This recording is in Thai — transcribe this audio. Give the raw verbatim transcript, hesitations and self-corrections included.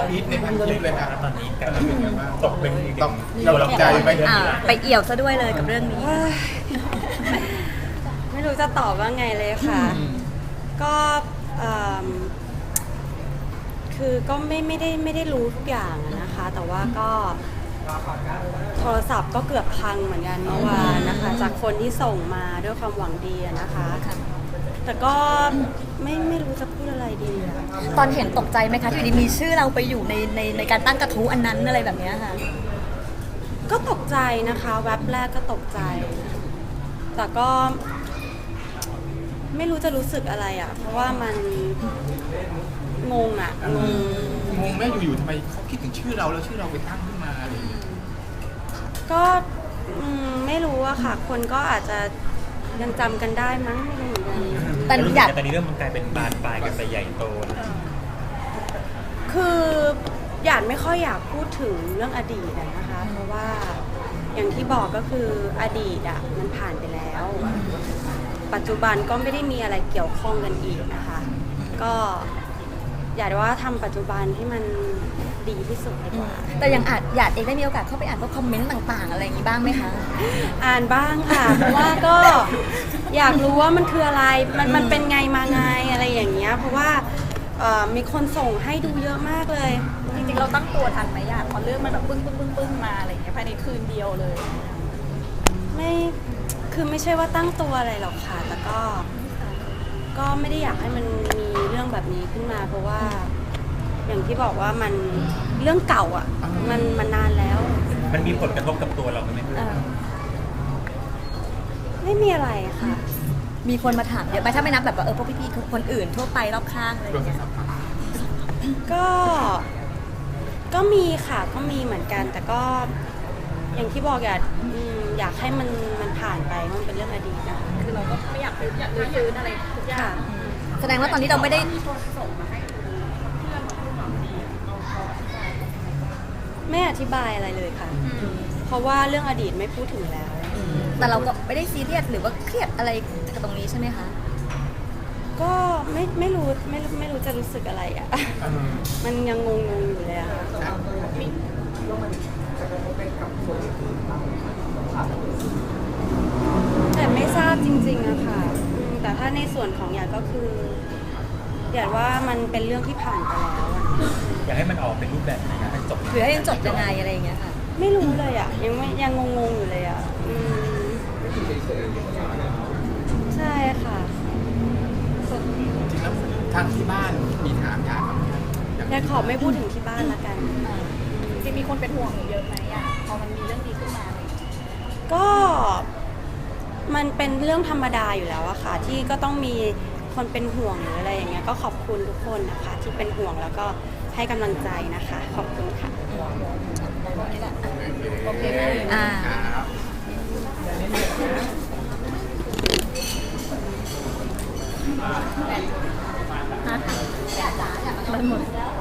พีทในพันคลิปเลยนะตอนนี้การเป็นไงบ้างตกเป็นตกเราเราตกใจใจไหมไปอ่าไปเอี่ยวซะด้วยเลยกับเรื่องนี้ไม่รู้จะตอบว่าไงเลยค่ะ ก็เอิ่มคือก็ไม่ไม่ได้ไม่ได้รู้ทุกอย่างอะนะคะ แต่ว่าก็โทรศัพท์ก็เกือบพังเหมือนกันเมื่อวานนะคะ จากคนที่ส่งมาด้วยความหวังดีอะนะคะ แต่ก็ไม่ไม่รู้จะพูดอะไรดีอะตอนเห็นตกใจไหมคะที่อยู่ดีมีชื่อเราไปอยู่ในในในการตั้งกระทู้อันนั้นอะไรแบบเนี้ยค่ะก็ตกใจนะคะแว็บแรกก็ตกใจ แต่ก็ไม่รู้จะรู้สึกอะไรอ่ะ เพราะว่ามันงงอ่ะงงงงแม่อยู่ๆทำไมเขาคิดถึงชื่อเราแล้วชื่อเราไปตั้งขึ้นมาอะไรอย่างเงี้ยก็อืมไม่รู้อะค่ะ คนก็อาจจะยังจำกันได้มั้งไม่รู้เหมือนกันแต่อยากแต่นี้เรื่องมันกลายเป็นบานปลายกันไปใหญ่โตคือหยาดไม่ค่อยอยากพูดถึงเรื่องอดีตอะนะคะ เพราะว่าอย่างที่บอกก็คืออดีตอะมันผ่านไปแล้ว ปัจจุบันก็ไม่ได้มีอะไรเกี่ยวข้องกันอีกนะคะ ก็อยากว่าทำปัจจุบันให้มันดีที่สุดดีกว่าแต่ยังอาจอยากเองได้มีโอกาสเข้าไปอ่านพวกคอมเมนต์ต่างๆ อะไรอย่างนี้บ้างไหมคะอ่านบ้างค่ะ เพราะว่าก็อยากรู้ว่ามันคืออะไร มันมันเป็นไงมาไงอะไรอย่างเงี้ย เพราะว่าเอ่อมีคนส่งให้ดูเยอะมากเลยจริงๆเราตั้งตัวทันไหมอ่ะพอเรื่องมันแบบปึ้งปึ้งปึ้งปึ้งมาอะไรอย่างเงี้ยภายในคืนเดียวเลยไม่ คือไม่ใช่ว่าตั้งตัวอะไรหรอกค่ะ แต่ก็ ก็ไม่ได้อยากให้มันมีเรื่องแบบนี้ขึ้นมา เพราะว่า อย่างที่บอกว่ามันเรื่องเก่าอ่ะ มันมันนานแล้วมันมีผลกระทบกับตัวเราไหมเออไม่มีอะไรค่ะมีคนมาถามเยอะไหมถ้าไม่นับแบบว่าเออพวกพี่ๆคนอื่นทั่วไปรอบข้างอะไรอย่างเงี้ยก็ ก็มีค่ะ ก็มีเหมือนกัน แต่ก็ อย่างที่บอกอยากอืมอยากให้มันมันผ่านไปมันเป็นเรื่องอดีตนะคะคือเราก็ไม่อยากอยากรื้อฟื้นอะไรทุกอย่าค่ะงแสดงว่าตอนนี้เราไม่ได้ไม่อธิบายอะไรเลยค่ะ เพราะว่าเรื่องอดีตไม่พูดถึงแล้วแต่เราก็ไม่ได้ซีเรียสหรือว่าเครียดอะไรกับตรงนี้ใช่ไหมคะก็ไม่ไม่รู้ไม่รู้ไม่รู้จะรู้สึกอะไรอ่ะ มันยังงงๆอยู่เลยอะค่ะแต่ไม่ทราบจริงๆอะค่ะอืมแต่ถ้าในส่วนของหยาดก็คือหยาดว่ามันเป็นเรื่องที่ผ่านไปแล้วอะอยากให้มันออกเป็นรูปแบบไหนนะให้จบหรือให้ยังจบยังไงอะไรอย่างเงี้ยค่ะไม่รู้เลยอะยังไม่ยังงงๆอยู่เลยอะอืมใช่ค่ะจริงๆแล้วทางที่บ้านมีถามอยากหยาดขอไม่พูดถึงที่บ้านละกันจริงๆมีคนเป็นห่วงอยู่เยอะไหมอ่ะพอมันมีเรื่องดีขึ้นมาอะไรอย่างเงี้ยก็มันเป็นเรื่องธรรมดาอยู่แล้วอะค่ะ ที่ก็ต้องมีคนเป็นห่วงหรืออะไรอย่างเงี้ยก็ขอบคุณทุกคนนะคะ ที่เป็นห่วงแล้วก็ให้กำลังใจนะคะ ขอบคุณค่ะโอเคอ่าครับมันหมด